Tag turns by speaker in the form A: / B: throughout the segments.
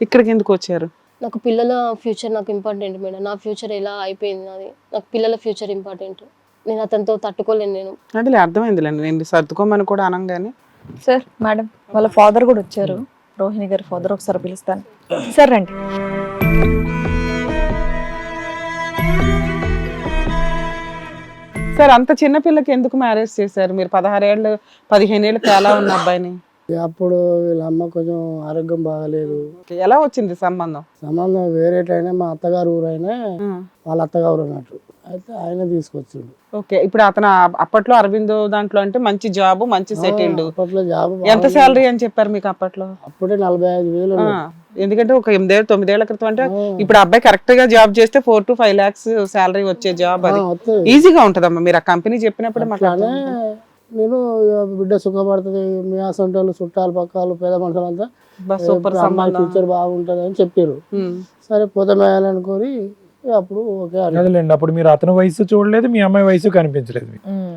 A: ఇక్కడికి ఎందుకు వచ్చారు?
B: నాకు పిల్లల ఫ్యూచర్ నాకు ఇంపార్టెంట్ మేడం. నా ఫ్యూచర్ ఎలా అయిపోయింది నాది, నాకు పిల్లల ఫ్యూచర్ ఇంపార్టెంట్. నేను అతనితో తట్టుకోలేను నేను.
A: అంటే అర్థమైందిలేండి, నేను సర్దుకోమని కూడా అనగానే.
C: సార్ మేడం వాళ్ళ ఫాదర్ కూడా వచ్చారు, రోహిణి గారి ఫాదర్, ఒకసారి పిలుస్తాను సార్. రండి.
A: సార్ అంత చిన్న పిల్లకి ఎందుకు మ్యారేజ్ చేశారు మీరు? 16 ఏళ్ళు 15 ఏళ్ళు తేలా ఉన్న అబ్బాయిని.
D: అప్పుడు వీళ్ళ అమ్మ కొంచెం ఆరోగ్యం బాగాలేదు.
A: ఎలా వచ్చింది సంబంధం?
D: సంబంధం వేరేటైనా మా అత్తగారు ఊరైనా వాళ్ళ అత్తగారు అన్నట్టు, అయితే ఆయన తీసుకొచ్చిండు.
A: ఓకే, ఇప్పుడు అతను అప్పట్లో అరవిందో దాంట్లో అంటే మంచి జాబ్, మంచి సెటిల్డ్.
D: అప్పట్లో జాబ్
A: ఎంత శాలరీ అని చెప్పారు మీకు అప్పట్లో?
D: అప్పుడే 45,000.
A: ఎందుకంటే ఒక 8 9 ఏళ్ల క్రితం అంటే ఇప్పుడు అబ్బాయి కరెక్ట్ గా జాబ్ చేస్తే 4 to 5 lakhs శాలరీ వచ్చే జాబ్. అది ఈజీగా ఉంటదమ్మా, మీరు ఆ కంపెనీ చెప్పినప్పుడు మాట్లాడే.
D: నేను బిడ్డ సుఖపడుతుంది, మీ అసంటోళ్ళు చుట్టాలు పక్కలు పేద మనుషులంతా
A: సూపర్
D: ఫ్యూచర్ బాగుంటది అని చెప్పారు. సరే పోతమేయాలనుకొని అప్పుడు ఓకే
E: అదేలేండి. అప్పుడు మీరు అతని వయసు చూడలేదు, మీ అమ్మాయి వయసు కనిపించలేదు.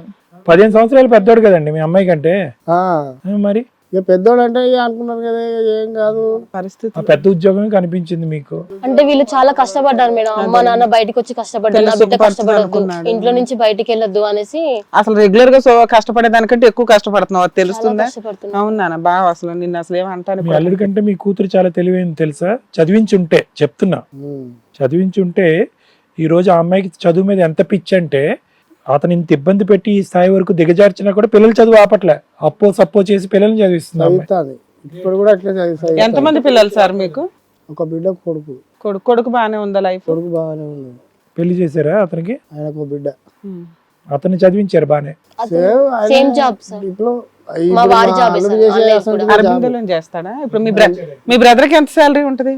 E: 15 సంవత్సరాలు పెద్దోడు కదండి మీ అమ్మాయి కంటే. మరి
D: ఇక పెద్దోడు అంటే అనుకున్నారు కదా, ఏం కాదు
A: పరిస్థితి.
E: పెద్ద ఉద్యోగం కనిపించింది మీకు.
B: అంటే వీళ్ళు చాలా కష్టపడ్డారు మేడం. అమ్మ నాన్న బయటకు వచ్చి కష్టపడ్డారు, నా బిడ్డ కష్టపడద్దు, ఇంట్లో నుంచి బయటికి వెళ్ళొద్దు అనేసి.
A: అసలు రెగ్యులర్ గా పడే దానికంటే ఎక్కువ కష్టపడుతున్నావు, అది తెలుస్తుందా? అవునా బాగా, అసలు నిన్ను అసలు ఏమంటాను.
E: మీ అల్లుడి కంటే మీ కూతురు చాలా తెలివైంది తెలుసా? చదివించుంటే చెప్తున్నా, చదివించుంటే ఈ రోజు ఆ అమ్మాయికి చదువు మీద ఎంత పిచ్చి అంటే, అతను ఇంత ఇబ్బంది పెట్టి ఈ స్థాయి వరకు దిగజార్చినా కూడా పిల్లలు చదువు ఆపట్లే, అప్పో సప్పో చేసి పిల్లల్ని చదివిస్తుంది.
D: ఇప్పుడు కూడా అట్లే చదివిస్తాయి.
A: ఎంతమంది పిల్లలు సార్ మీకు?
D: ఒక బిడ్డ కొడుకు.
A: కొడుకు బాగానే ఉందా లైఫ్?
D: కొడుకు బాగానే ఉంది.
E: పెళ్లి చేశారా అతనికి?
D: ఆయనకు ఒక బిడ్డ.
E: అతన్ని చదివించారు బానే.
B: సేమ్ జాబ్ సార్, మా వాడి జాబ్
A: అరవిందలో చేస్తాడా? ఇప్పుడు మీ బ్రదర్ కి ఎంత శాలరీ ఉంటది?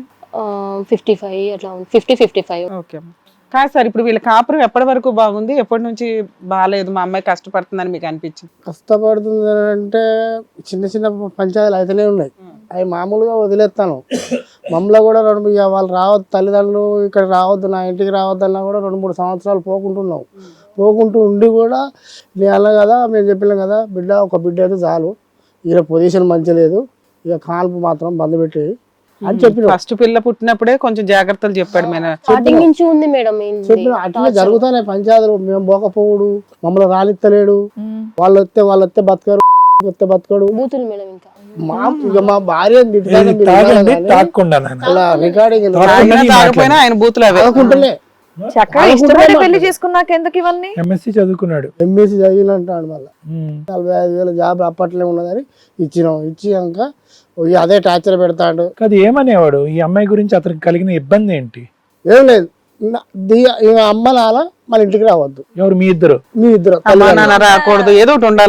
B: 55 అట్లా 50-55.
A: ఓకే. కాదు సార్, ఇప్పుడు వీళ్ళ కాపురం ఎప్పటి వరకు బాగుంది, ఎప్పటి నుంచి బాగాలేదు, మా అమ్మాయి కష్టపడుతుందని మీకు అనిపించింది?
D: కష్టపడుతుంది అంటే చిన్న చిన్న పంచాయతీలు అయితేనే ఉన్నాయి, అవి మామూలుగా వదిలేస్తాను. మమ్మల్ని కూడా వాళ్ళు రావద్దు, తల్లిదండ్రులు ఇక్కడ రావద్దు, నా ఇంటికి రావద్దన్నా కూడా 2-3 సంవత్సరాలు పోకుంటున్నాం. పోకుంటూ ఉండి కూడా నేను అన్నా కదా, మేము చెప్పినాం కదా, బిడ్డ ఒక బిడ్డ అయితే చాలు, ఈయన పొజిషన్ మంచి లేదు, ఇక కాల్పు మాత్రం బంద్ పెట్టి అని చెప్పిన.
A: ఫస్ట్ పిల్ల పుట్టినప్పుడే కొంచెం జాగ్రత్తలు చెప్పాడు.
B: స్టార్టింగ్ నుంచి ఉంది మేడం.
D: చెప్పిన అట్లనే జరుగుతాయి పంచాయతీలు. మేము పోకపోవుడు, మమ్మల్ని రానిత్తలేడు, వాళ్ళు వస్తే బతకరు, వస్తే బతకడు.
B: బూతులు మేడం. ఇంకా
D: మా భార్య
A: ఆయన బూతులు
D: అనుకుంటలే.
C: పెళ్లి చేసుకున్నాక ఎందుకు ఇవన్నీ?
E: ఎంఎస్సీ చదువుకున్నాడు,
D: ఎంఎస్సీ చదివినంటాడు. మళ్ళీ 45,000 జాబ్ అప్పట్లో ఉన్నదని ఇచ్చినాం. ఇచ్చినాక అదే టార్చర్ పెడతాడు.
E: అది ఏమనేవాడు? ఈ అమ్మాయి గురించి అతనికి కలిగిన ఇబ్బంది ఏంటి?
D: ఏం లేదు, అమ్మ నాన్న మన ఇంటికి రావద్దు.
E: ఎవరు? మీ ఇద్దరు
A: రాకూడదు, ఏదో ఒకటి ఉండాలి.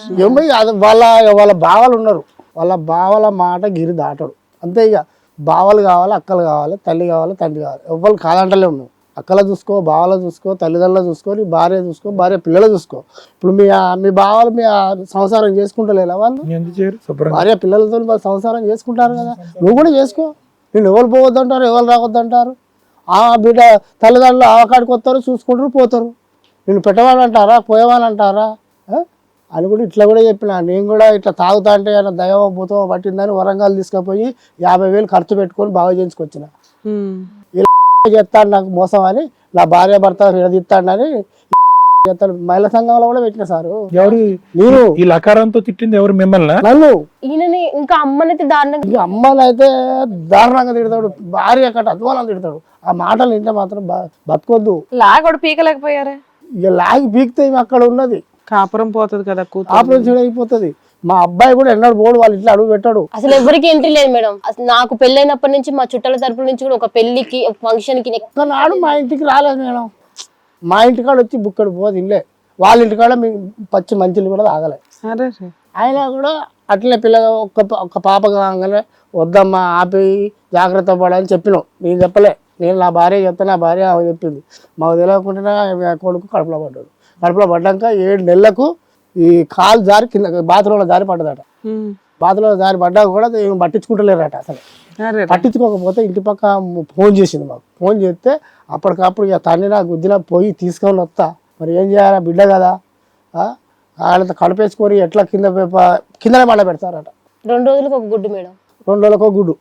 D: వాళ్ళ బావలు ఉన్నారు, వాళ్ళ బావల మాట గిరి దాటడు అంతే. ఇక బావలు కావాలి, అక్కలు కావాలి, తల్లి కావాలి, తండ్రి కావాలి, ఎవరు కాదంటలే ఉన్నావు. అక్కల చూసుకో, బావల చూసుకో, తల్లిదండ్రులు చూసుకో, నీ భార్య చూసుకో, భార్య పిల్లలు చూసుకో. ఇప్పుడు మీ బావలు మీ సంసారం చేసుకుంటలేదా? వాళ్ళు భార్య పిల్లలతో సంసారం చేసుకుంటారు కదా, నువ్వు కూడా చేసుకో. నేను ఎవరు పోవద్దంటారు, ఎవరు రావద్దంటారు? ఆ బిడ్డ తల్లిదండ్రులు ఆవకాడికి వస్తారు, చూసుకుంటారు, పోతారు. నేను పెట్టవాలంటారా, పోయేవాళ్ళంటారా అని కూడా ఇట్లా కూడా చెప్పిన. నేను కూడా ఇట్లా తాగుతా అంటే ఆయన దైవ భూతం పట్టిందని వరంగల్ తీసుకుపోయి 50,000 ఖర్చు పెట్టుకొని బాగా చేయించుకొచ్చిన. ఇలా చెప్తాడు నాకు మోసం అని, నా భార్య భర్త విడదీస్తాడని చెప్తాడు. మహిళా సంఘంలో కూడా పెట్టిన సారు.
E: ఎవరు?
D: నేను.
E: ఈ లకారంతో తిట్టింది ఎవరు? మిమ్మల్ని?
D: నన్ను.
B: ఈయనని ఇంకా అమ్మనైతే దారుణంగా,
D: అమ్మనైతే దారుణంగా తిడతాడు, భార్య కట్ట అధ్వానం తిడతాడు. ఆ మాటలు వింటే మాత్రం బతకొద్దు.
C: లాగోడు పీకలేకపోయారా?
D: ఇక లాగి పీకితే అక్కడ ఉన్నది
A: కాపురం పోతుంది కదా,
D: కాపురం అయిపోతుంది. మా అబ్బాయి కూడా ఎన్నడూ పోడు, వాళ్ళ ఇంట్లో అడుగు పెట్టాడు.
B: అసలు ఎవరికి ఎంట్రీ లేదు మేడం. నాకు పెళ్ళైనప్పటి నుంచి మా చుట్టాల తరపు నుంచి కూడా ఒక పెళ్లికి, ఫంక్షన్ కి
D: నాడు మా ఇంటికి రాలేదు మేడం. మా ఇంటికాడ వచ్చి బుక్కడు పోదు ఇల్లే, వాళ్ళ ఇంటికాడ మీ పచ్చి మంచిలు కూడా తాగలే. అయినా కూడా అట్లనే పిల్లగా ఒక్క పాప కాగానే వద్దమ్మా ఆపి జాగ్రత్త పడాలని చెప్పినాం. నేను చెప్పలే, నేను నా భార్య చెప్తే నా భార్య ఆమె చెప్పింది. మాకు తెలియకుండా కొడుకు కడుపులో పడ్డాడు. కడుపులో పడ్డాక 7 నెలలకు ఈ కాలు జారి కింద బాత్రూంలో జారి పడ్డదట. బాత్రూంలో జారి పడ్డా కూడా పట్టించుకుంటలేరట. అసలు పట్టించుకోకపోతే ఇంటి పక్క ఫోన్ చేసింది మాకు. ఫోన్ చేస్తే అప్పటికప్పుడు ఇక తండ్రి నా గుద్దిన పోయి తీసుకొని వస్తా, మరి ఏం చేయాలా బిడ్డ కదా, వాళ్ళతో కడుపేసుకొని ఎట్లా కిందనే మళ్ళీ పెడతారట.
B: 2 రోజులకు ఒక గుడ్డు మేడం.
D: 2 రోజులకు ఒక గుడ్డు.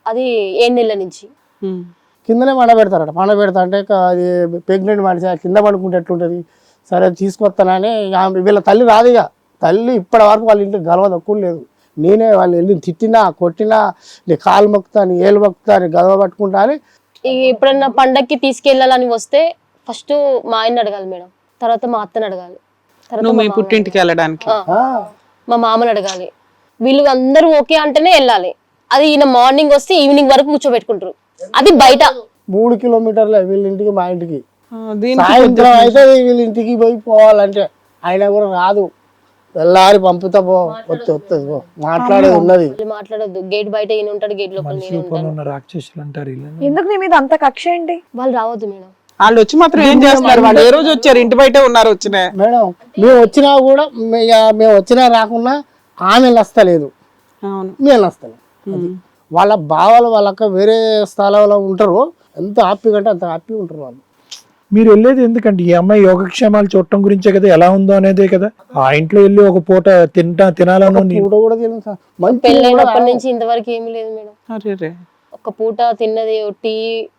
B: అది 7 నెలల నుంచి.
D: కిందనే పండబెడతారట. పండబెడతా అంటే అది ప్రెగ్నెంట్ మనిషి కింద పడుకుంటే ఎట్లుంటుంది, సరే తీసుకొస్తానని వీళ్ళ తల్లి రాదు. ఇక తల్లి ఇప్పటి వరకు వాళ్ళ ఇంటికి గలవ తక్కువ లేదు. నేనే వాళ్ళు వెళ్ళి తిట్టినా కొట్టినా, నీ కాలు మొక్కుతా, నీ ఏళ్ళు మొక్కుతా, నీ గలవ పట్టుకుంటా అని.
B: ఎప్పుడన్నా పండక్కి తీసుకెళ్ళాలని వస్తే ఫస్ట్ మా ఆయన్ని అడగాలి మేడం, తర్వాత మా అత్తని అడగాలి, తర్వాత
A: మీ పుట్టింటికి వెళ్ళడానికి
B: మా మామని అడగాలి. వీళ్ళు అందరూ ఓకే అంటేనే వెళ్ళాలి. అది ఈయన మార్నింగ్ వస్తే ఈవినింగ్ వరకు కూర్చోబెట్టుకుంటారు. అది బయట
D: 3 కిలోమీటర్లే వీళ్ళ ఇంటికి మా ఇంటికి.
A: దీనికి
D: సాయంత్రం అయితే వీళ్ళ ఇంటికి పోయి పోవాలంటే ఆయన కూడా రాదు. వెళ్ళారి పంపుతా పో, వస్తుంది పో, మాట్లాడేది ఉన్నది.
B: మాట్లాడొద్దు. గేట్ బయట ఈయన ఉంటాడు, గేట్ లోపల నేను ఉంటాను.
E: రాక్షసులు అంటారు.
C: ఎందుకు నీ మీద అంత కక్ష ఏంటి?
B: వాళ్ళు రావద్దు మేడం.
A: వాళ్ళు వచ్చి మాత్రం ఏం చేస్తున్నారు? వాళ్ళు ఏ రోజు వచ్చారు? ఇంటి బయట ఉన్నారు. వచ్చిన
D: మేడం మేము వచ్చినా కూడా మేము వచ్చినా రాకున్నా ఆమె వస్తలేదు, మేము వస్తలేదు. అది వాళ్ళ బావలు వాళ్ళక్క వేరే స్థలంలో ఉంటారు. ఎంత హ్యాపీగా అంటే అంత హ్యాపీగా ఉంటారు వాళ్ళు.
E: మీరు వెళ్ళేది ఎందుకంటే ఈ అమ్మాయి యోగక్షేమాలు చూడటం గురించే కదా, ఎలా ఉందో అనేదే కదా. ఆ ఇంట్లో వెళ్ళి ఒక పూట తినాలని
D: కూడా తెలియదు సార్.
B: పెళ్ళైనప్పటి నుంచి ఇంతవరకు ఏమీ లేదు మేడం. ఒక పూట తిన్నది టీ,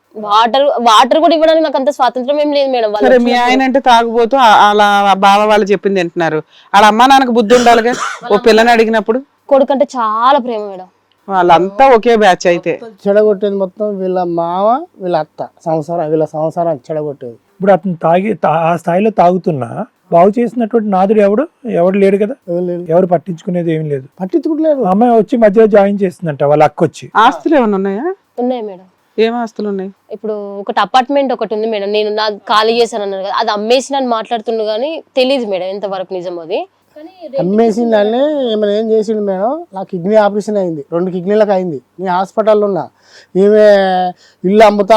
B: వాటర్ కూడా ఇవ్వడానికి నాకు అంత స్వాతంత్రం ఏం లేదు మేడం.
A: సరే, మీ ఆయన అంటే తాగుబోతూ అలా బావ వాళ్ళు చెప్పింది తింటున్నారు. వాళ్ళ అమ్మా నాన్నకు బుద్ధి ఉండాలిగా ఓ పిల్లని అడిగినప్పుడు.
B: కొడుకంటే చాలా ప్రేమ మేడం.
A: వాళ్ళంతా ఒకే బ్యాచ్. అయితే
D: చెడగొట్టేది మొత్తం వీళ్ళ మామ వీళ్ళ అత్త వీళ్ళ సంసారాన్ని చెడగొట్టేది.
E: ఇప్పుడు అతను ఆ స్థాయిలో తాగుతున్నా బాగు చేసినటువంటి నాదుడు ఎవడు లేడు కదా, ఎవరు పట్టించుకునేది ఏం లేదు.
D: పట్టించుకుంటలేదు.
E: అమ్మాయి వచ్చి మధ్యలో జాయిన్ చేస్తుందంట వాళ్ళ అక్క వచ్చి.
A: ఆస్తులు ఏమైనా ఉన్నాయా?
B: ఉన్నాయి మేడం.
A: ఏం ఆస్తులు ఉన్నాయి?
B: ఇప్పుడు ఒకటి అపార్ట్మెంట్ ఒకటి ఉంది మేడం. నేను నా ఖాళీ చేశాను అన్నారు కదా, అది అమ్మేసి నన్ను మాట్లాడుతుండు కానీ తెలియదు మేడం ఎంతవరకు నిజం అది.
D: అమ్మేసిందని ఏమైనా ఏం చేసిండు మేడం. నా కిడ్నీ ఆపరేషన్ అయింది, 2 కిడ్నీలకు అయింది. నేను హాస్పిటల్లో ఉన్నా. ఈమె ఇల్లు అమ్ముతా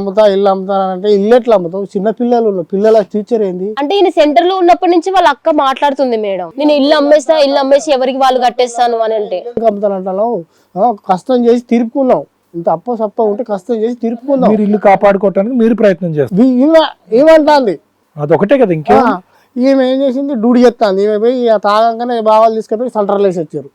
D: అంటే ఇల్లు ఎట్లా అమ్ముతావు? చిన్న పిల్లల ఫ్యూచర్ ఏంది
B: అంటే ఈయన సెంటర్ లో ఉన్నప్పటి నుంచి వాళ్ళ అక్క మాట్లాడుతుంది మేడం, నేను ఇల్లు అమ్మేసి ఎవరికి వాళ్ళు కట్టేస్తాను అని. అంటే
D: అమ్ముతానంటాను. కష్టం చేసి తీర్పుకున్నాం. ఇంత సప్ప ఉంటే కష్టం చేసి తీర్పుకుందాం.
E: మీరు ఇల్లు కాపాడుకోవటానికి మీరు ప్రయత్నం చేస్తారు.
D: ఏమంటాంది
E: అదొకటే కదా. ఇంకా
D: ఈమె ఏం చేసింది, డ్యూటీ చేస్తాంది. ఈమె పోయి తాగంగానే బావాలు తీసుకుపోయి సెంటర్లు వేసి వచ్చారు.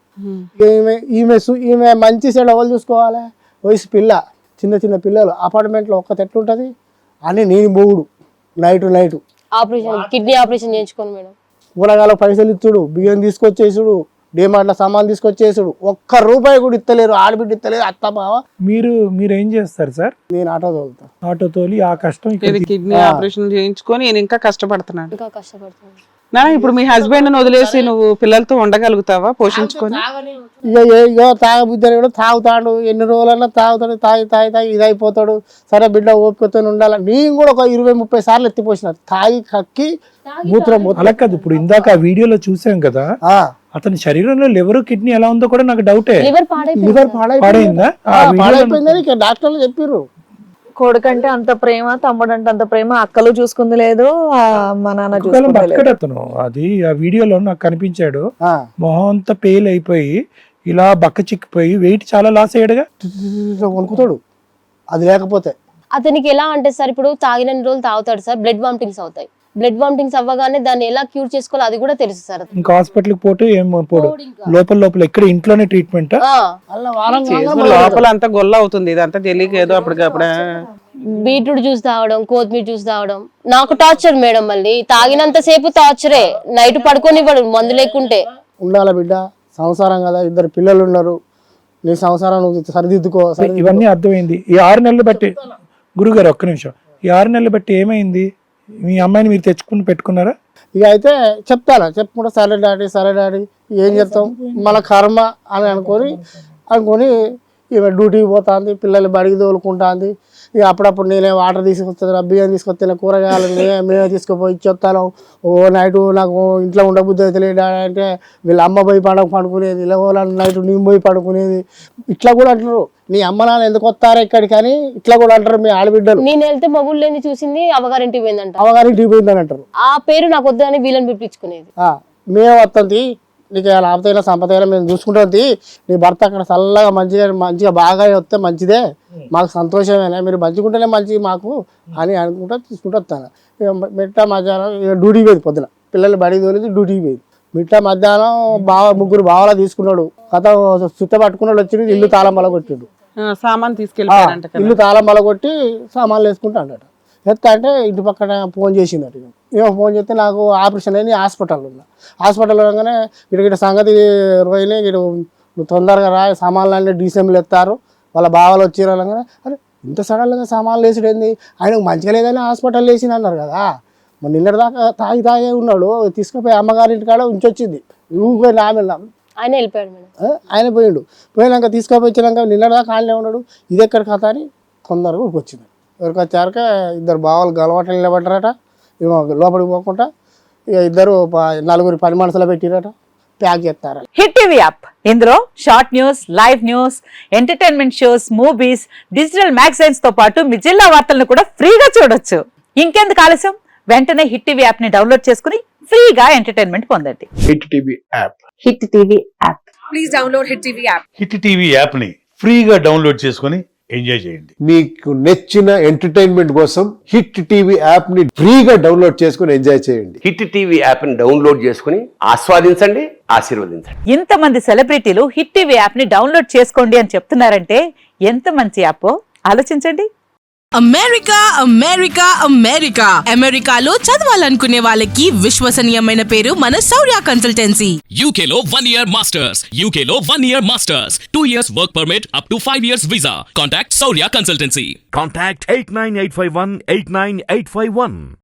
D: ఈమె మంచి సైడ్ ఎవరు చూసుకోవాలి? వయసు పిల్ల, చిన్న పిల్లలు అపార్ట్మెంట్లో ఒక్క ఎట్లుంటది అని నేను బోగుడు నైట్
B: ఆపరేషన్, కిడ్నీ ఆపరేషన్ చేయించుకోను మేడం.
D: కూరగాయల పైసలు ఇచ్చుడు, బియ్యం తీసుకొచ్చేసుడు, డిమార్ట్ల సామాన్ తీసుకొచ్చేసుడు. ₹1 కూడా ఇస్తలేరు, ఆడబిడ్డ ఇస్తలేరు, అత్త బావ.
E: మీరు ఏం చేస్తారు సార్?
D: నేను ఆటో తోలుతా.
E: ఆటో తోలి ఆ కష్టం
A: కిడ్నీ ఆపరేషన్ చేయించుకొని నేను ఇంకా కష్టపడుతున్నాను.
B: ఇంకా కష్టపడుతున్నాను.
A: ఇప్పుడు మీ హస్బెండ్ వదిలేసి నువ్వు పిల్లలతో ఉండగలుగుతావా పోషించుకొని?
D: ఇక తాగబుద్దని కూడా తాగుతాడు. ఎన్ని రోజులన్నా తాగుతాడు. తాగి ఇది అయిపోతాడు. సరే బిడ్డ ఓపికతో ఉండాలి. నేను కూడా ఒక 20-30 సార్లు ఎత్తిపోసిన. తాగి కక్కి మూత్రం.
E: అలా కాదు, ఇప్పుడు ఇందాక ఆ వీడియోలో చూసాం కదా, అతని శరీరంలో లివర్ కిడ్నీ ఎలా ఉందో కూడా నాకు డౌటే.
B: లివర్
E: పాడైందా?
D: పాడైపోయిందని డాక్టర్లు చెప్పారు.
C: కొడుకంటే అంత ప్రేమ, తమ్ముడు అంటే అంత ప్రేమ, అక్కలు చూసుకుంది లేదు, మా నాన్న చూసుకుంది.
E: అతను అది ఆ వీడియోలో నాకు కనిపించాడు. మొహం అంతా పేల్ అయిపోయి ఇలా బక్క చిక్కిపోయి వెయిట్ చాలా లాస్ అయ్యాడుగా.
D: వణుకుతాడు అది లేకపోతే.
B: అతనికి ఎలా అంటే సార్, ఇప్పుడు తాగిన రోజులు తాగుతాడు సార్, బ్లడ్ వామిటింగ్స్ అవుతాయి. బ్లడ్ వామిటింగ్స్ అవ్వగానే దాన్ని ఎలా క్యూర్ చేసుకోవాలి అది కూడా తెలుసు సార్.
E: ఇంకా హాస్పిటల్ పోతే ఏం పోడు, లోపల ఇక్కడ ఇంట్లోనే ట్రీట్మెంట్.
A: లోపల అంతా గొల్ల అవుతుంది. ఇదంతా తెలియక ఏదో అప్పటికప్పుడే
B: బీట్రూట్ జ్యూస్ తాగడం, కొత్తిమీర జ్యూస్ తాగడం. నాకు టార్చర్ మేడం. మళ్ళీ తాగినంత సేపు టార్చరే. నైట్ పడుకోనివ్వడు మందు లేకుంటే.
D: ఉండాల బిడ్డ, సంసారం కదా, 2 పిల్లలు ఉన్నారు. నీ సంసారం సరిదిద్దుకో.
E: ఇవన్నీ అర్థమైంది. ఈ 6 నెలలు బట్టి గురుగారు ఒక్క నిమిషం, ఈ 6 నెలలు బట్టి ఏమైంది? మీ అమ్మాయిని మీరు తెచ్చుకుని పెట్టుకున్నారా?
D: ఇక అయితే చెప్పుకుంటా సరే డాడీ ఏం చెప్తాం, మన కర్మ అని అనుకొని ఇక డ్యూటీకి పోతుంది, పిల్లలు బడికి తోలుకుంటుంది. ఇక అప్పుడప్పుడు నేనే వాటర్ తీసుకొస్తాను, బియ్యం తీసుకొస్తాను, కూరగాయలు మేమే తీసుకుపోయి ఇచ్చేస్తాను. నైట్ నాకు ఇంట్లో ఉండబుద్ధి అయితే అంటే వీళ్ళ అమ్మ పోయి పడుకునేది, ఇలా నైట్ నేను పోయి పడుకునేది. ఇట్లా కూడా అంటారు, నీ అమ్మ నాన్న ఎందుకు వస్తారా ఇక్కడికి అని ఇట్లా కూడా అంటారు మీ ఆడబిడ్డలు.
B: నేను వెళ్తే మగుళ్ళు లేని చూసింది అవగారింటికి పోయిందంట.
D: అవగారింటికి పోయిందని అంటారు.
B: ఆ పేరు నాకు వద్దని వీళ్ళని పిలిపించుకునేది.
D: మేము వస్తుంది, నీకు లాభతైనా సంపదైనా మేము చూసుకుంటుంది. నీ భర్త అక్కడ చల్లగా మంచిగా బాగా వస్తే మంచిదే, మాకు సంతోషమేనా, మీరు మంచిగుంటేనే మంచిది మాకు అని అనుకుంటా తీసుకుంటూ వస్తాను. మిట్ట మధ్యాహ్నం డ్యూటీకి పోయింది. పొద్దున పిల్లలు బడికి తోలింది, డ్యూటీకి పోయింది. మిట్ట మధ్యాహ్నం 3 బావలా తీసుకున్నాడు. కథ చుట్ట పట్టుకున్నాడు, వచ్చి ఇల్లు తాళం బల కొట్టిండు.
A: సామాన్ తీసుకెళ్ళిపోయారంట కదా.
D: ఇల్లు తాళం బలగొట్టి సామాన్లు వేసుకుంటా అన్నట. ఎత్తా అంటే ఇంటి పక్కన ఫోన్ చేసిందట. ఏమో ఫోన్ చేస్తే నాకు ఆపరేషన్ అయింది, హాస్పిటల్ ఉన్నా. హాస్పిటల్ ఉండగానే ఇటు సంగతి రోహిణి ఇటు నువ్వు తొందరగా రా, సామాన్లు అన్నీ డీసెంబుల్ ఎత్తారు, వాళ్ళ బావలు వచ్చారు అనగానే అరే ఇంత సడన్గా సామాన్లు వేసుడు ఏంది, ఆయనకు మంచిగా లేదని హాస్పిటల్ వేసింది అన్నారు కదా. మరి నిన్నటి దాకా తాగే ఉన్నాడు, తీసుకుపోయి అమ్మగారి ఇంటికాడ ఉంచొచ్చింది. ఊరిపోయి నామెళ్ళాం,
B: ఆయన వెళ్ళిపోయాడు మేడం.
D: ఆయన పోయిండు. పోయినాక తీసుకుపోయినాక నిన్నటి దాకా ఆయనే ఉన్నాడు. ఇది ఎక్కడ కథ అని తొందరగా ఊరికొచ్చింది. ఊరికి వచ్చాక ఇద్దరు బావలు గలవాటలు నిలబడ్డారట. ఏమో లోపలికి పోకుండా ఇక ఇద్దరు నలుగురు పని మనుషులు పెట్టిరట, ప్యాక్ చేస్తారట.
F: హిట్ టీవీ యాప్, ఇందులో short news, live news, entertainment shows, movies, digital magazines తో పాటు మీ జిల్లా వార్తలను కూడా ఫ్రీగా చూడొచ్చు. ఇంకెందుకు ఆలస్యం, వెంటనే హిట్ టీవీ యాప్ ని డౌన్లోడ్ చేసుకుని ఫ్రీగా ఎంటర్టైన్మెంట్ పొందండి.
G: Hit TV app.
F: Hit TV app.
C: Please download hit TV app.
H: Hit TV app ని ఫ్రీగా డౌన్లోడ్ చేసుకొని ఎంజాయ్ చేయండి.
G: మీకు నచ్చిన ఎంటర్టైన్మెంట్ కోసం హిట్ టీవీ యాప్ ని ఫ్రీగా డౌన్లోడ్ చేసుకొని ఎంజాయ్ చేయండి.
I: హిట్ టీవీ యాప్ ని డౌన్లోడ్ చేసుకుని ఆస్వాదించండి, ఆశీర్వదించండి.
F: ఇంతమంది సెలబ్రిటీలు హిట్ టీవీ యాప్ ని డౌన్లోడ్ చేసుకోండి అని చెప్తున్నారంటే ఎంత మంచి యాప్ ఆలోచించండి.
J: అమెరికా అమెరికా అమెరికా అమెరికాలో చదవాలనుకునే వాళ్ళకి విశ్వసనీయమైన పేరు మన శౌర్య కన్సల్టెన్సీ.
K: UK లో 1 year masters, UK లో 1 year masters, 2 years work permit up to 5 years visa. Contact Shaurya Consultancy.
L: Contact 89851 89851.